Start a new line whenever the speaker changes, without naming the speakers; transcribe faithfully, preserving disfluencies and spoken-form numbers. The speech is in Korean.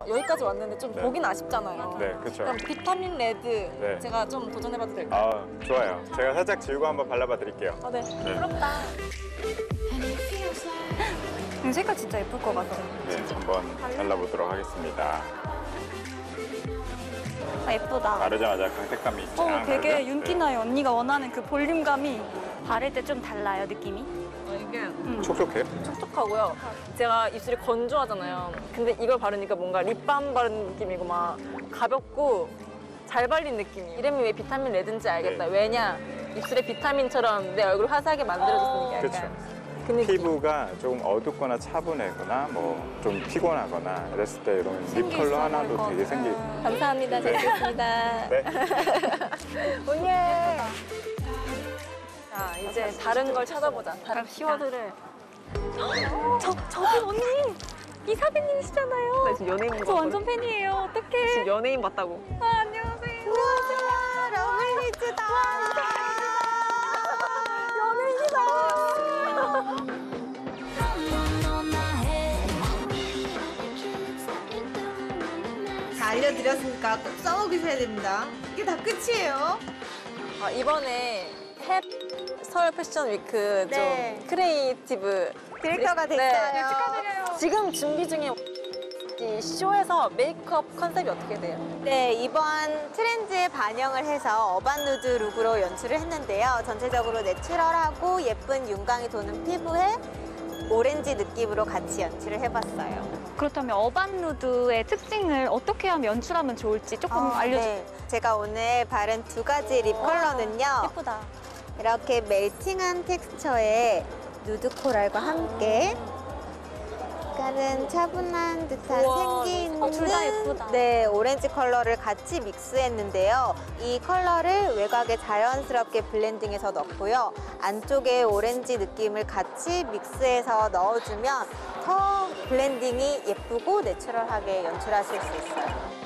여기까지 왔는데 좀
네.
보긴 아쉽잖아요.
네, 그렇죠.
그럼 비타민 레드
네.
제가 좀 도전해봐도 될까요?
아, 좋아요. 제가 살짝 지우고 한번 발라봐 드릴게요.
아, 네.
네.
부럽다.
이 색깔 진짜 예쁠 것 같아.
네, 한번 발라보도록 하겠습니다.
아, 예쁘다.
바르자마자 강색감이
어,
쫙
되게
나죠?
윤기나요. 언니가 원하는 그 볼륨감이 바를 때 좀 달라요, 느낌이.
어, 이게
네. 촉촉해요?
촉촉하고요. 제가 입술이 건조하잖아요. 근데 이걸 바르니까 뭔가 립밤 바른 느낌이고 막 가볍고 잘 발린 느낌이에요. 이름이 왜 비타민 레드인지 알겠다.
네.
왜냐? 입술에 비타민처럼 내 얼굴 화사하게 만들어줬으니까 약간.
그렇죠.
그 느낌.
피부가 조금 어둡거나 차분하거나 뭐 좀 피곤하거나 이랬을 때 이런 립
생기
컬러
있어
하나도
보일
되게
것
생기.
감사합니다. 잘 쓰겠습니다.
네.
언니. 자, 이제 다른 걸 찾아보자. 다른 키워드를.
저, 저기 언니! 이사배님이시잖아요.
나 지금 연예인
저
봤거든.
완전 팬이에요. 어떡해.
지금 연예인 봤다고.
아, 안녕하세요.
우와, 러블리즈다.
다 알려드렸으니까 꼭 써먹으셔야 됩니다. 이게 다 끝이에요.
아, 이번에 햇 서울 패션 위크
네.
좀 크리에이티브
디렉터가
네.
됐어요.
네, 축하드려요.
지금 준비 중인 이 쇼에서 메이크업 컨셉이 어떻게 돼요?
네, 이번 트렌드에 반영을 해서 어반 누드 룩으로 연출을 했는데요. 전체적으로 내추럴하고 예쁜 윤광이 도는 피부에 오렌지 느낌으로 같이 연출을 해봤어요.
그렇다면 어반 누드의 특징을 어떻게 하면 연출하면 좋을지 조금
아,
알려주세요.
네. 제가 오늘 바른 두 가지 립 컬러는요.
예쁘다.
이렇게 멜팅한 텍스처의 누드 코랄과 함께 약간은 차분한 듯한
우와,
생기 있는
어, 둘다 예쁘다.
네, 오렌지 컬러를 같이 믹스했는데요. 이 컬러를 외곽에 자연스럽게 블렌딩해서 넣고요. 안쪽에 오렌지 느낌을 같이 믹스해서 넣어주면 더 블렌딩이 예쁘고 내추럴하게 연출하실 수 있어요.